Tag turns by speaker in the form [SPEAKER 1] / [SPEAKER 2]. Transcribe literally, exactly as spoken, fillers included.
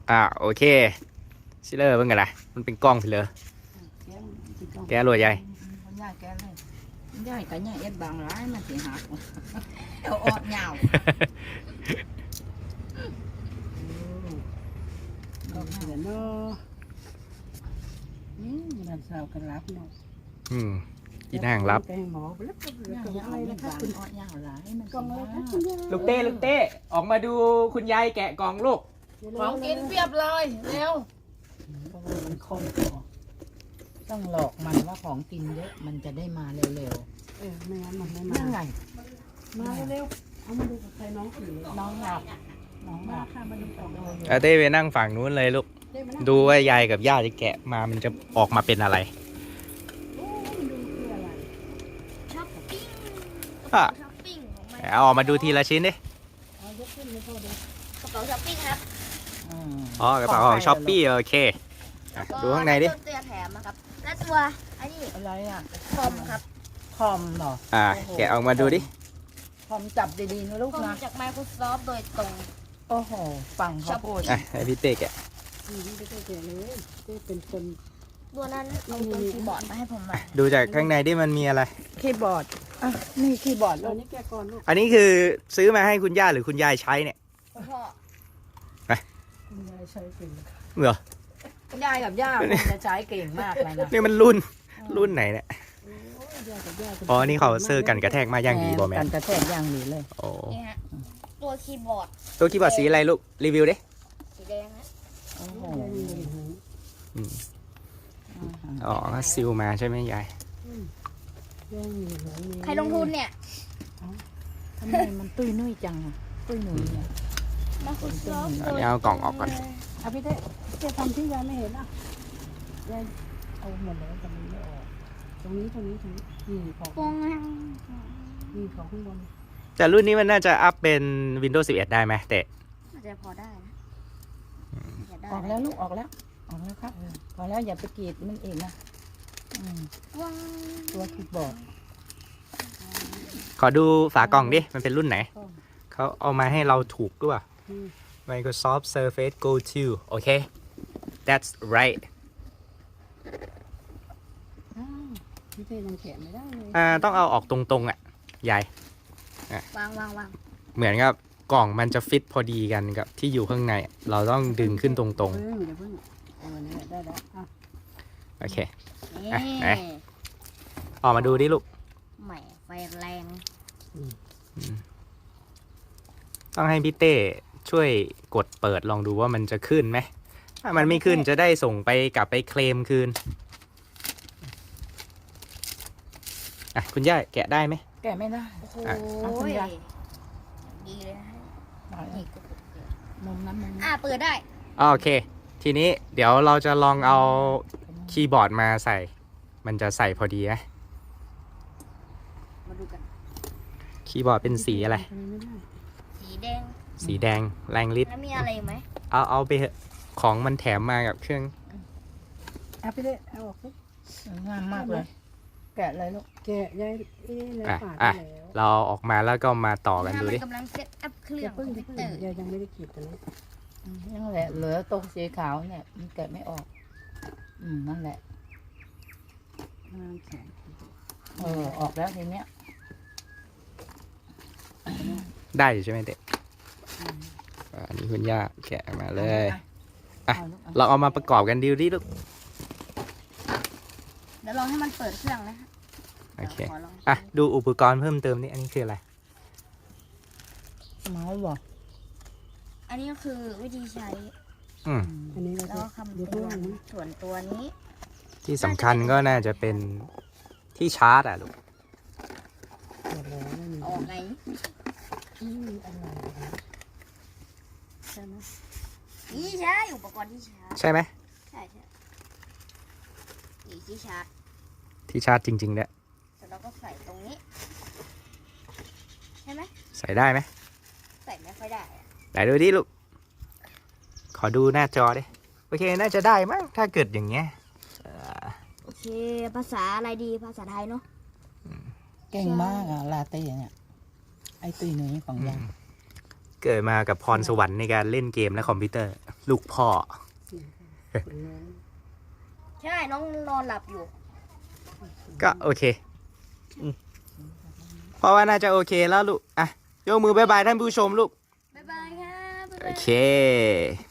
[SPEAKER 1] อ่าโอเคชิเลอร์เป็นไงล่ะมันเป็นกล้องไปเลยแกรวยใหญ่
[SPEAKER 2] ย่ายแกเลยย่ายก็ย่ายเอ็ดบางร้ายมันสิหักเอาออดเหงาก็เห็นเนาะนี่มันสาวกันรับเนาะ
[SPEAKER 1] อืมอีนางรับ
[SPEAKER 2] แกงหมอแล้วก็อะไรนะครับคุณออดเหงาหลายมัน
[SPEAKER 3] กล่องอะไรคะ
[SPEAKER 1] ลูกเต้ลูกเต้ออกมาดูคุณยายแกะกล่องลูก
[SPEAKER 2] ของกินเปรียบเลยเร็วมันคมต้องหลอกมันว่าของกินเยอะมันจะได้มาเร็ว
[SPEAKER 3] เออไม่งั้นมันไม่
[SPEAKER 2] ๆ
[SPEAKER 3] มา
[SPEAKER 2] นั่งไง
[SPEAKER 3] มาเร็วๆเอามาดูกับใครน้องผี
[SPEAKER 2] น้องหลับน้องห
[SPEAKER 3] มา
[SPEAKER 2] ลับ
[SPEAKER 3] ค่ะมาดูกล่องเลย
[SPEAKER 1] อาเต้ไปนั่งฝั่งนู้นเลยลูก
[SPEAKER 3] เด้มานั่ง
[SPEAKER 1] ดูว่ายายกับย่าจะแกะมามันจะออกมาเป็นอะไร
[SPEAKER 3] โอ้มันดูคืออะไร
[SPEAKER 4] ช้อปปิ้ง
[SPEAKER 1] อ่ะ
[SPEAKER 4] ช้อปปิ้งของมัน
[SPEAKER 1] เอาออกมาดูทีละชิ้นดิ
[SPEAKER 3] เอายกขึ้นเลยพ่อดู
[SPEAKER 4] กระเป๋าช้อปปิ้งครับ
[SPEAKER 2] อืม
[SPEAKER 1] อ๋อกระเป๋าของช้อปปี้โอเคอ่ะดูข้างในดิ
[SPEAKER 4] แล้วก็ตัวแถมนะครับ และตัวอันนี้
[SPEAKER 2] อะไรอ่ะ
[SPEAKER 4] คอมครับ
[SPEAKER 2] คอมเหรอ
[SPEAKER 1] อ่าแกะออกมาดูดิ
[SPEAKER 2] คอมจับดีๆนะลูก
[SPEAKER 4] คอม
[SPEAKER 2] นะ
[SPEAKER 4] จาก Microsoft โดยตรง
[SPEAKER 2] โอ้โหฟังเขาพูด
[SPEAKER 1] อ่ะให้พี่เต้แกะ
[SPEAKER 3] อืมไม่ได้แก่เลยเต้เป็นคน
[SPEAKER 4] ตัวนั้นเอาตัวคีย์บอร์ดมาให้ผมหน่อย
[SPEAKER 1] ดูจากข้างในดิมันมีอะไร
[SPEAKER 2] คีย์บอร์ดอ่ะนี่คีย์บอร์ด
[SPEAKER 3] ต
[SPEAKER 2] ลู
[SPEAKER 3] อน
[SPEAKER 2] ก
[SPEAKER 3] นี้แกก่อนลูก
[SPEAKER 1] อันนี้คือซื้อมาให้คุณย่าหรือคุณยายใช้เนี่ย
[SPEAKER 4] พ่อ
[SPEAKER 3] คุณยายใช้เป็น
[SPEAKER 1] เหรอ
[SPEAKER 2] ยายกับย่าคงจะใช้เก่งมากเลยนะ
[SPEAKER 1] นี่มันรุ่นรุ่นไหนเนี่ย
[SPEAKER 3] โอ้ยยายกับย่า
[SPEAKER 1] อ๋อนี่เขาซื้อกันกระแทกมาอย่างดีบอแม
[SPEAKER 2] กัน นกระแทกอย่างดีเลย
[SPEAKER 1] โอ้
[SPEAKER 4] นี่ฮะตัวคีย์บอร์ด
[SPEAKER 1] ตัวคีย์บอร์ดสีอะไรลูกรีวิวดิ
[SPEAKER 4] สีแดงนะ
[SPEAKER 2] โอ้โห
[SPEAKER 3] ยายยังไม่เห็น
[SPEAKER 1] อืมอ๋อก็ซิลมาใช่ไหมยาย
[SPEAKER 3] ยายมีหัวมี
[SPEAKER 4] ใครลงทุนเนี่ย
[SPEAKER 2] ทำไมมันตุ้ยนุ่ยจังอะตุ้ยหนุ่ยเนี่ย
[SPEAKER 4] Microsoft
[SPEAKER 1] อันนี้เอากล่องออกก่อน
[SPEAKER 3] เอาพี่เต้เต้ทำที่ยายไม่เห็นอ่ะยายเอาหมดแล้วแต่มันไม่ออกตรงนี้ตรงนี้ตรงนี้นี่ของ
[SPEAKER 4] ฟงอ่ะ
[SPEAKER 3] นี่ของข้างบน
[SPEAKER 1] แต่รุ่นนี้มันน่าจะอัพเป็น Windows สิบเอ็ด ได้ไหมแต่
[SPEAKER 4] อาจจะพอได้นะจะได้
[SPEAKER 2] ออกแล้วลูกออกแล้วออกแล้วครับพอแล้วอย่าไปกรีดมันเองนะอืม
[SPEAKER 4] ว้าว
[SPEAKER 2] ตัวคีย์บอร์ด
[SPEAKER 1] ขอดูฝากล่องดิ มันเป็นรุ่นไหน เขาเอามาให้เราถูกด้วย
[SPEAKER 3] อืม
[SPEAKER 1] Microsoft Surface Go ทูโอเค that's right
[SPEAKER 3] อ้าวพี่เต้ยังแกะไม่ได้เลย
[SPEAKER 1] อ่าต้องเอาออกตรงๆอ่ะยาย
[SPEAKER 4] วางวางวาง
[SPEAKER 1] เหมือนกับกล่องมันจะฟิตพอดีกันกับที่อยู่ข้างใน เราต้องดึงขึ้นตรง
[SPEAKER 3] เพิ่งเดี๋ยวเพิ่งเออนี่ได้แล้วอ่ะ
[SPEAKER 1] ๆ โอเค
[SPEAKER 4] นี่
[SPEAKER 1] อ่ะไหน ออกมาดูดิลูก
[SPEAKER 4] ใหม่ไฟแรง
[SPEAKER 1] ต้องให้พี่เต้ช่วยกดเปิดลองดูว่ามันจะขึ้นไหม ถ้ามันไม่ขึ้นจะได้ส่งไปกลับไปเคลมคืน อ่ะ คุณย่าแกะได้ไหม
[SPEAKER 2] แกะไม่ได้
[SPEAKER 4] โอ้โห
[SPEAKER 1] อ่ะ
[SPEAKER 2] เอาคุณยาย
[SPEAKER 4] ดีเลยนะฮะ
[SPEAKER 2] เอา
[SPEAKER 4] นี่
[SPEAKER 2] อีก
[SPEAKER 4] ก็
[SPEAKER 2] มุมนั้นมุม
[SPEAKER 4] อ่า
[SPEAKER 2] นั้น
[SPEAKER 4] เปิดได้
[SPEAKER 1] อ่าโอเค ทีนี้เดี๋ยวเราจะลองเอาคีย์บอร์ดมาใส่ มันจะใส่พอดีไหม
[SPEAKER 4] มาดูกัน
[SPEAKER 1] คีย์บอร์ดเป็นสีอะไร
[SPEAKER 3] ทำไม่ได้
[SPEAKER 4] สีแดง
[SPEAKER 1] สีแดงแรงฤทธิ์
[SPEAKER 4] แล้วมีอะไรอีกไหม
[SPEAKER 1] เอาเอาไปเถอะของมันแถมมากับเครื่อง
[SPEAKER 3] อ่ะพี่เต้เอาออกสิ
[SPEAKER 2] สวยงามมากเลย แกะเลยลูก
[SPEAKER 3] แกะยายเอ๊ะแล้ว
[SPEAKER 1] อ่ะ
[SPEAKER 3] ปาด
[SPEAKER 1] อ่ะ
[SPEAKER 3] ไปแล้ว
[SPEAKER 1] เราเอาออกมาแล้วก็มาต่อกันดูดิ
[SPEAKER 4] กำลังเซตอัพเครื่
[SPEAKER 3] อ
[SPEAKER 4] อง
[SPEAKER 3] ย่าเพิ่ง
[SPEAKER 4] คอม
[SPEAKER 3] อย่า
[SPEAKER 4] พิว
[SPEAKER 3] เพิ่ง
[SPEAKER 4] เตอร์
[SPEAKER 3] ยายยังไม่ได้ขีดตัวนี้
[SPEAKER 2] อืมนั่นแหละเหลือตรงสีขาวเนี่ยมันแกะไม่ออก อืมนั่นแหละ
[SPEAKER 3] งานแข็ง
[SPEAKER 2] เออออกแล้วทีเนี้ย
[SPEAKER 1] ได้อยู่ใช่ไหมเด็กอ่าอันนี้คุณย่าแกะมาเลย อ่ะ
[SPEAKER 2] เอาลูกเอา
[SPEAKER 1] เราเอามาประกอบกันดูดิลูก
[SPEAKER 4] เดี๋ยวลองให้มันเปิดเครื่องนะฮะ
[SPEAKER 1] โอเค
[SPEAKER 4] ดี๋ยวขอลอง
[SPEAKER 1] อ่ะ ดูอุปกรณ์เพิ่มเติมนี่อันนี้คืออะไร
[SPEAKER 2] เมาส์บอก
[SPEAKER 4] อันนี้ก็คือวิธีใช้
[SPEAKER 1] อืม
[SPEAKER 3] อันนี้เรา
[SPEAKER 4] แล้ว
[SPEAKER 3] จะ
[SPEAKER 4] ก็คำ
[SPEAKER 3] เดี๋ยว
[SPEAKER 4] เตื
[SPEAKER 3] เพิ่ง
[SPEAKER 4] อน
[SPEAKER 3] นะ
[SPEAKER 4] ส่วนตัวนี้
[SPEAKER 1] ที่สำคัญก็น่าจะเป็นที่ชาร์จอ่ะลูก
[SPEAKER 3] หมดแล้วไม่มี
[SPEAKER 4] ออกไง
[SPEAKER 3] อืมอะไรนะใช่ไหม
[SPEAKER 4] นี่ใช่อุปกรณ์ที่ชาร์จ
[SPEAKER 1] ใช่ไหม
[SPEAKER 4] ใช่ใช่นี่ที่ชาร์จ
[SPEAKER 1] ที่ชาร์จจริงๆเนี่ย
[SPEAKER 4] เสร็จแล้วก็ใส่ตรงนี้ใช่ไหม
[SPEAKER 1] ใส่ได้ไหม
[SPEAKER 4] ใส่ไม่ค่อยได้อะ
[SPEAKER 1] ไหนดูดิลูก ขอดูหน้าจอดิ โอเค น่าจะได้มั้ง ถ้าเกิดอย่างเงี้ยเอ่อ
[SPEAKER 4] โอเค ภาษาอะไรดีภาษาไทยเนาะ
[SPEAKER 2] เก่งมากอะลาเต้เนี่ย ไอตุยหนุ่ยของยาย
[SPEAKER 1] เกิดมากับพรสวรรค์ในการเล่นเกมและคอมพิวเตอร์ลูกพ่อ
[SPEAKER 3] คนน้อง
[SPEAKER 4] ใช่น้องนอนหลับอยู่
[SPEAKER 1] ก็โอเคอืมเพราะว่าน่าจะโอเคแล้วลูก อ่ะ ยกมือบายบายท่านผู้ชมลูก
[SPEAKER 4] บ๊ายบายครับบ๊าย
[SPEAKER 1] โอบ
[SPEAKER 4] าย
[SPEAKER 1] เค